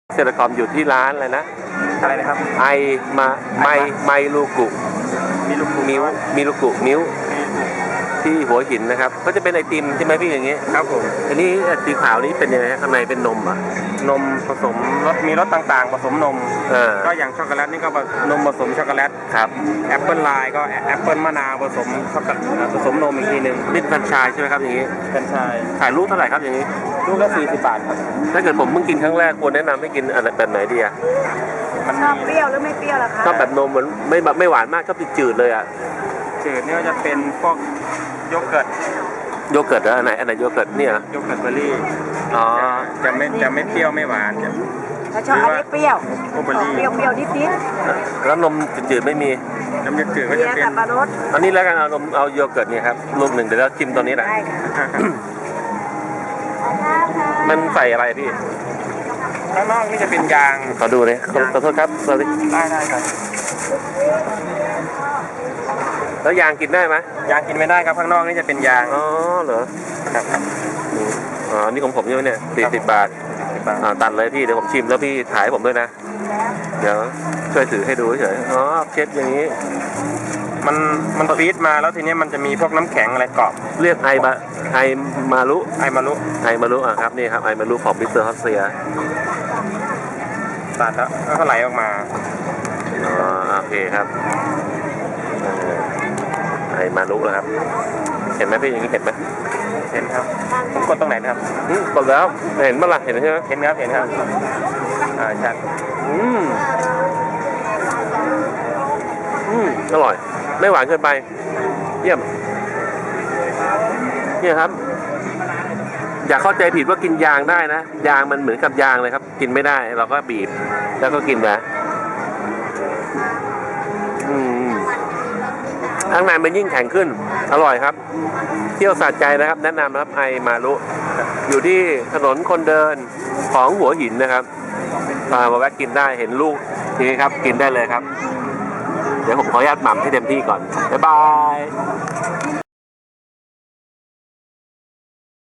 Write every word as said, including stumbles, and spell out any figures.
เซเลคอมอยู่ที่ร้านอะไรนะอะไรนะครับไอมาไมไมลูกุมีลูกมิวมิลูกุมิวที่หัวหินนะครับก็จะเป็นไอติมใช่ไหมพี่อย่างงี้ครับผมอันนี้สีขาวนี้เป็นยังไงข้างในเป็นนมอ่ะนมผสมรสมีรสต่างๆผสมนมก็อย่างช็อกโกแลตนี่ก็นมผสมช็อกโกแลตครับแอปเปิลไลน์ก็แอปเปิลมะนาวผสมช็อกโกแลตผสมนมอีกทีหนึ่งนี่แฟรนไชส์ใช่ไหมครับอย่างนี้แฟรนไชส์ขายลูกเท่าไหร่ครับอย่างนี้ลูกละสี่สิบบาทครับถ้าเกิดผมเพิ่งกินครั้งแรกควรแนะนำให้กินอะไรแบบไหนดีอ่ะชอบเปรี้ยวหรือไม่เปรี้ยวล่ะคะชอบแบบนมเหมือนไม่แบบไม่หวานมากชอบจืดเลยอ่ะจืดนี่ก็จะเป็นพวกโยเกิร์ตโยเกิร์ตอันไหนอันไหนโยเกิร์ตเนี่ยโยเกิร์ตเบอร์รี่อ๋อจะไม่จะไม่เปรี้ยวไม่หวานถ้าชอบอันนี้เปรี้ยวเปรี้ยวเปรี้ยวนิดนิดแล้วนมจืดๆไม่มีนมจืดๆก็จะเป็นอันนี้แล้วกันเอานมเอาโยเกิร์ตเนี่ยครับลูกหนึ่งเดี๋ยวเราชิมตัวนี้แหละมันใส่อะไรพี่ข้างนอกนี่จะเป็นยางขอดูเลยขอโทษครับสวัสดีได้ได้ครับแล้วยางกินได้ไหมยางกินไม่ได้ครับข้างนอกนี่จะเป็นยางอ๋อเหรอครับอ๋อนี่ของผมใช่ไหมเนี่ยสี่สิบบาทตัดเลยพี่เดี๋ยวผมชิมแล้วพี่ถ่ายผมด้วยนะเดี๋ยวช่วยถือให้ดูเฉยอ๋อเช็ดอย่างนี้มันมันฟีดมาแล้วทีนี้มันจะมีพวกน้ำแข็งอะไรเกาะเรียกไอมาไอมารุไอมารุไอมารุอ่ะครับนี่ครับไอมารุของมิสเตอร์ฮอสเซียตัดแล้วก็ไหลออกมาอ๋อโอเคครับไอมารุนะครับเห็นไหมพี่อย่างนี้เห็นไหมเห็นครับผมกดตรงไหนครับกดแล้วเห็นเมื่อไหร่เห็นใช่ไหมเห็นครับเห็นครับอ่าชัดอืมอืมอร่อยไม่หวานเกินไปเยี่ยมเนี่ยครับอย่าเข้าใจผิดว่ากินยางได้นะยางมันเหมือนกับยางเลยครับกินไม่ได้เราก็บีบแล้วก็กินไปอืมข้างในมันยิ่งแข็งขึ้นอร่อยครับเที่ยวสะใจนะครับแนะนำนะครับไอมารุอยู่ที่ถนนคนเดินของหัวหินนะครับมาแวะกินได้เห็นลูกนี่ครับกินได้เลยครับเดี๋ยวผมขออนุญาตหม่ำให้เต็มที่ก่อนบ๊ายบาย